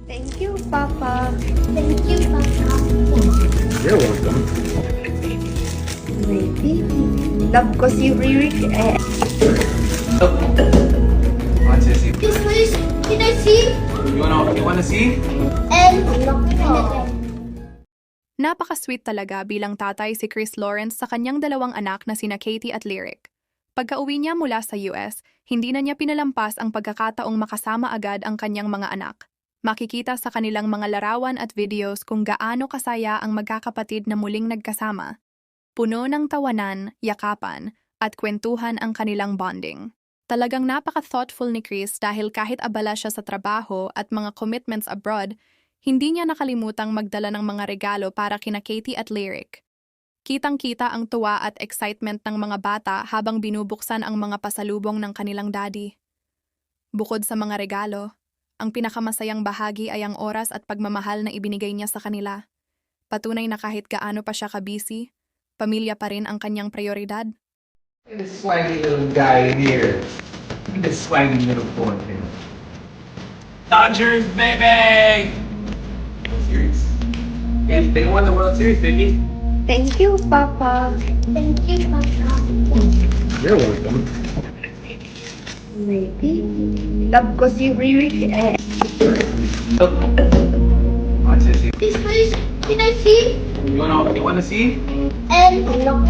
Thank you, Papa. Thank you, Papa. You're welcome. Maybe. Love ko si Ririk eh. Want to see? Yes, please. Can I see? You wanna see? And Napaka-sweet talaga bilang tatay si Chris Lawrence sa kanyang dalawang anak na sina Katie at Lyric. Pagka-uwi niya mula sa US, hindi na niya pinalampas ang pagkakataong makasama agad ang kanyang mga anak. Makikita sa kanilang mga larawan at videos kung gaano kasaya ang magkakapatid na muling nagkasama. Puno ng tawanan, yakapan, at kwentuhan ang kanilang bonding. Talagang napaka-thoughtful ni Chris dahil kahit abala siya sa trabaho at mga commitments abroad, hindi niya nakalimutang magdala ng mga regalo para kina Katie at Lyric. Kitang-kita ang tuwa at excitement ng mga bata habang binubuksan ang mga pasalubong ng kanilang daddy. Bukod sa mga regalo, ang pinakamasayang bahagi ay ang oras at pagmamahal na ibinigay niya sa kanila. Patunay na kahit gaano pa siya ka-busy, pamilya pa rin ang kanyang prioridad. This swaggy little guy here. This swaggy little boy here. Dodgers, baby! Series. Yes, they won the World Series, baby. Thank you, Papa. thank you, Papa. You're welcome. Maybe. Love ko si Ririk eh. Want to see? Yes, please. Can I see? You wanna see? And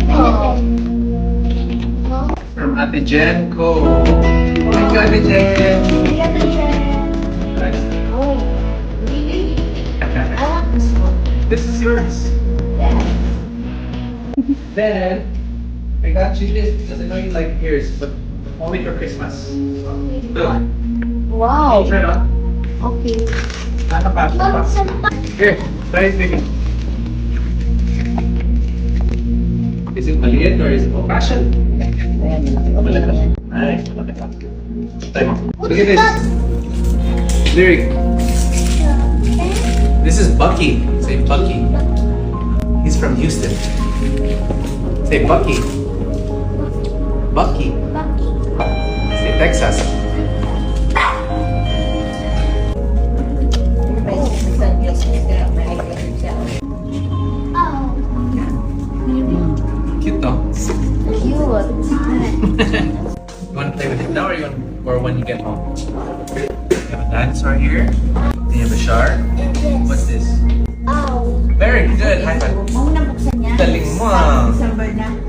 From Ate Jenko. Thank you, Ate Jen. Nice. Oh, really? I want this one. This is yours. Yeah. Then, I got you this because I know you like ears, but only for Christmas. Look. Wow. Try it on. Okay. Nakapasok pa. Here, try it, baby. Is it maliit or is it old-fashioned? Malaki. Nice, malaki. Try mo. Look at this. Lyric. This is Bucky. Say Bucky. He's from Houston. Say Bucky. Bucky. Bucky. Say Texas. Oh, Cute though. cute. You want to play with it now or when you get home? You have a dinosaur here. Then you have a shark. What's this? Oh. Very good. High five. Huwag na buksan niya. Galing mo ah. December na.